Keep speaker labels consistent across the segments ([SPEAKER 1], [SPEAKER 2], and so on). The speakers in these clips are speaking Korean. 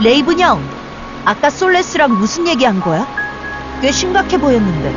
[SPEAKER 1] 레이븐 형, 아까 솔레스랑 무슨 얘기한 거야? 꽤 심각해 보였는데.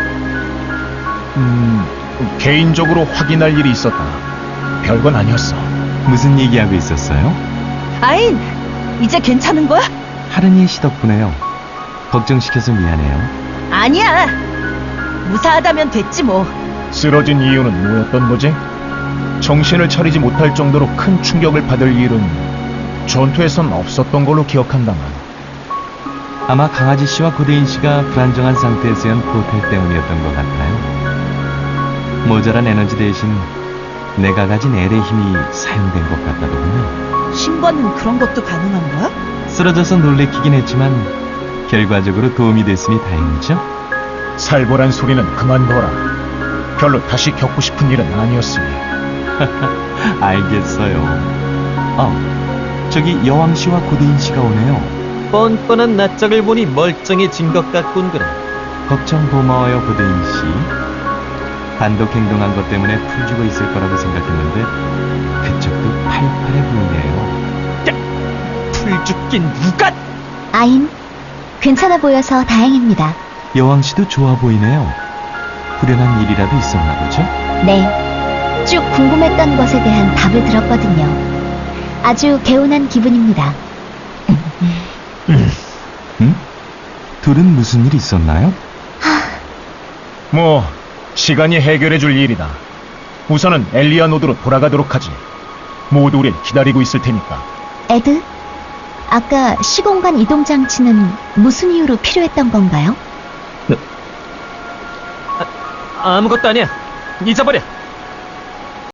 [SPEAKER 2] 개인적으로 확인할 일이 있었다. 별건 아니었어.
[SPEAKER 3] 무슨 얘기하고 있었어요?
[SPEAKER 1] 아인, 이제 괜찮은 거야?
[SPEAKER 3] 하른이 씨 덕분에요. 걱정시켜서 미안해요.
[SPEAKER 1] 아니야. 무사하다면 됐지 뭐.
[SPEAKER 2] 쓰러진 이유는 뭐였던 거지? 정신을 차리지 못할 정도로 큰 충격을 받을 일은 전투에선 없었던 걸로 기억한다만.
[SPEAKER 3] 아마 강아지 씨와 고대인 씨가 불안정한 상태에서 연 포탈 때문이었던 것 같아요. 모자란 에너지 대신 내가 가진 엘의 힘이 사용된 것 같다더군요.
[SPEAKER 1] 신관은 그런 것도 가능한 거야?
[SPEAKER 3] 쓰러져서 놀래키긴 했지만 결과적으로 도움이 됐으니 다행이죠.
[SPEAKER 2] 살벌한 소리는 그만둬라. 별로 다시 겪고 싶은 일은 아니었으니.
[SPEAKER 3] 알겠어요. 저기 여왕 씨와 고대인 씨가 오네요.
[SPEAKER 4] 뻔뻔한 낯짝을 보니 멀쩡해진 것 같군 그래.
[SPEAKER 3] 걱정 고마워요, 고대인 씨. 단독 행동한 것 때문에 풀 죽어 있을 거라고 생각했는데 그쪽도 팔팔해 보이네요.
[SPEAKER 4] 풀 죽긴 누가?
[SPEAKER 5] 아인, 괜찮아 보여서 다행입니다.
[SPEAKER 3] 여왕 씨도 좋아 보이네요. 불행한 일이라도 있었나 보죠?
[SPEAKER 5] 네, 쭉 궁금했던 것에 대한 답을 들었거든요. 아주 개운한 기분입니다.
[SPEAKER 3] 응? 둘은 무슨 일 있었나요?
[SPEAKER 2] 뭐 시간이 해결해 줄 일이다. 우선은 엘리아 노드로 돌아가도록 하지. 모두 우릴 기다리고 있을 테니까.
[SPEAKER 5] 에드, 아까 시공간 이동 장치는 무슨 이유로 필요했던 건가요?
[SPEAKER 4] 아무것도 아니야. 잊어버려.